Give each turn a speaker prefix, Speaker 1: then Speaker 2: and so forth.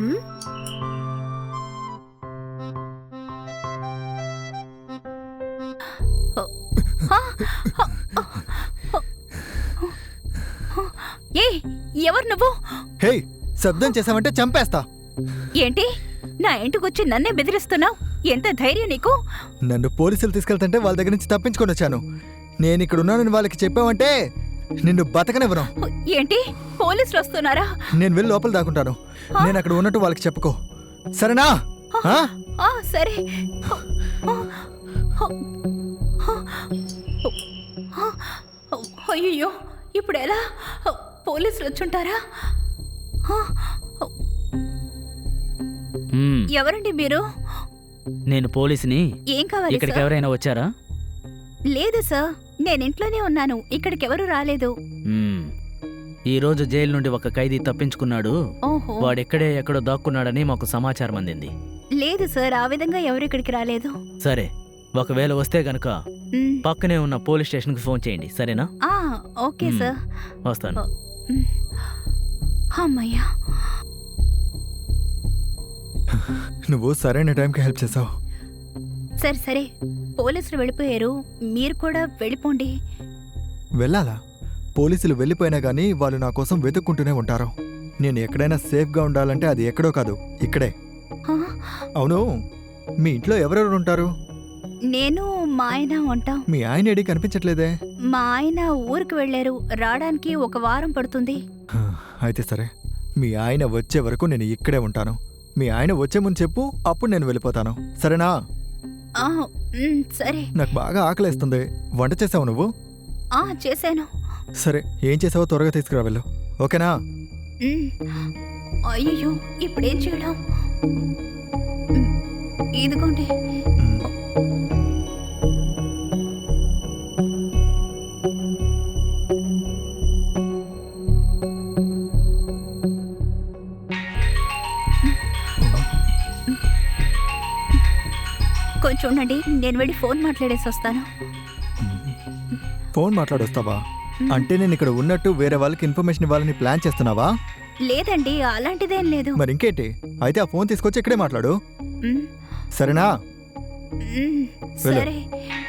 Speaker 1: ఏ ఎవరు నువ్వు?
Speaker 2: హే, శబ్దం చేసావంటే చంపేస్తా.
Speaker 1: ఏంటి నా ఇంటికొచ్చి నన్నే బెదిరిస్తున్నావు? ఎంత ధైర్యం నీకు?
Speaker 2: నన్ను పోలీసులు తీసుకెళ్తుంటే వాళ్ళ దగ్గర నుంచి తప్పించుకొని వచ్చాను. నేను ఇక్కడ ఉన్నానని వాళ్ళకి చెప్పావంటే నిన్ను బతకనివ్వను.
Speaker 1: ఏంటి పోలీసులు వస్తున్నారా?
Speaker 2: నేను వెళ్ళి లోపల దాక్కుంటాను. నేను అక్కడ ఉన్నట్టు వాళ్ళకి చెప్పుకో, సరేనా?
Speaker 1: సరే. అయ్యో, ఇప్పుడు ఎలా? పోలీసులు వచ్చుంటారా? ఎవరండి మీరు?
Speaker 3: నేను పోలీసుని.
Speaker 1: ఏం కావాలి?
Speaker 3: ఇక్కడికి ఎవరైనా వచ్చారా?
Speaker 1: లేదు సార్, నేను ఇంట్లోనే ఉన్నాను. ఇక్కడికి ఎవరు రాలేదు.
Speaker 3: ఈ రోజు జైలు నుండి ఒక ఖైదీ తప్పించుకున్నాడు. వాడెక్కడే ఎక్కడో దాక్కున్నాడని మాకు సమాచారం అందింది.
Speaker 1: లేదు సార్, ఆ విధంగా ఎవరు ఇక్కడికి రాలేదు.
Speaker 3: సరే, ఒకవేళ వస్తే గనక పక్కనే ఉన్న పోలీస్ స్టేషన్ కి ఫోన్ చేయండి, సరేనా?
Speaker 1: ఓకే సార్,
Speaker 3: వస్తాను.
Speaker 1: అమ్మయ్యా,
Speaker 2: నువ్వు సరైన టైంకి హెల్ప్ చేసావు.
Speaker 1: సరే సరే, పోలీసులు వెళ్ళిపోయారు, మీరు కూడా వెళ్ళిపోండి.
Speaker 2: వెళ్ళాలా? పోలీసులు వెళ్ళిపోయినా గానీ వాళ్ళు నా కోసం వెతుక్కుంటూనే ఉంటారు. నేను ఎక్కడైనా సేఫ్గా ఉండాలంటే అది ఎక్కడో కాదు, ఇక్కడే. అవును, మీ ఇంట్లో ఎవరెవరు ఉంటారు?
Speaker 1: నేను, మా ఆయన ఉంటాం.
Speaker 2: మీ ఆయన ఏడి కనిపించట్లేదే?
Speaker 1: మా ఆయన ఊరికి వెళ్ళారు, రావడానికి 1 వారం పడుతుంది.
Speaker 2: అయితే సరే, మీ ఆయన వచ్చే వరకు నేను ఇక్కడే ఉంటాను. మీ ఆయన వచ్చే ముందు చెప్పు, అప్పుడు నేను వెళ్ళిపోతాను, సరేనా?
Speaker 1: సరే.
Speaker 2: నాకు బాగా ఆకలేస్తుంది. వంట చేసావు నువ్వు?
Speaker 1: చేశాను.
Speaker 2: సరే, ఏం చేసావో త్వరగా తీసుకురా వెళ్ళు, ఓకేనా?
Speaker 1: అయ్యో, ఇప్పుడేం చేయడం? ఇదిగోండి. కొంచెం ఉండండి, నేను వెళ్ళి ఫోన్ మాట్లాడేసి వస్తాను.
Speaker 2: ఫోన్ మాట్లాడొస్తావా? అంటే నేను ఇక్కడ ఉన్నట్టు వేరే వాళ్ళకి ఇన్ఫర్మేషన్ ఇవ్వాలని ప్లాన్ చేస్తున్నావా?
Speaker 1: లేదండి, అలాంటిదేం లేదు.
Speaker 2: మరి ఇంకేంటి? అయితే ఆ ఫోన్ తీసుకొచ్చి ఇక్కడే మాట్లాడు, సరేనా?
Speaker 1: సరే.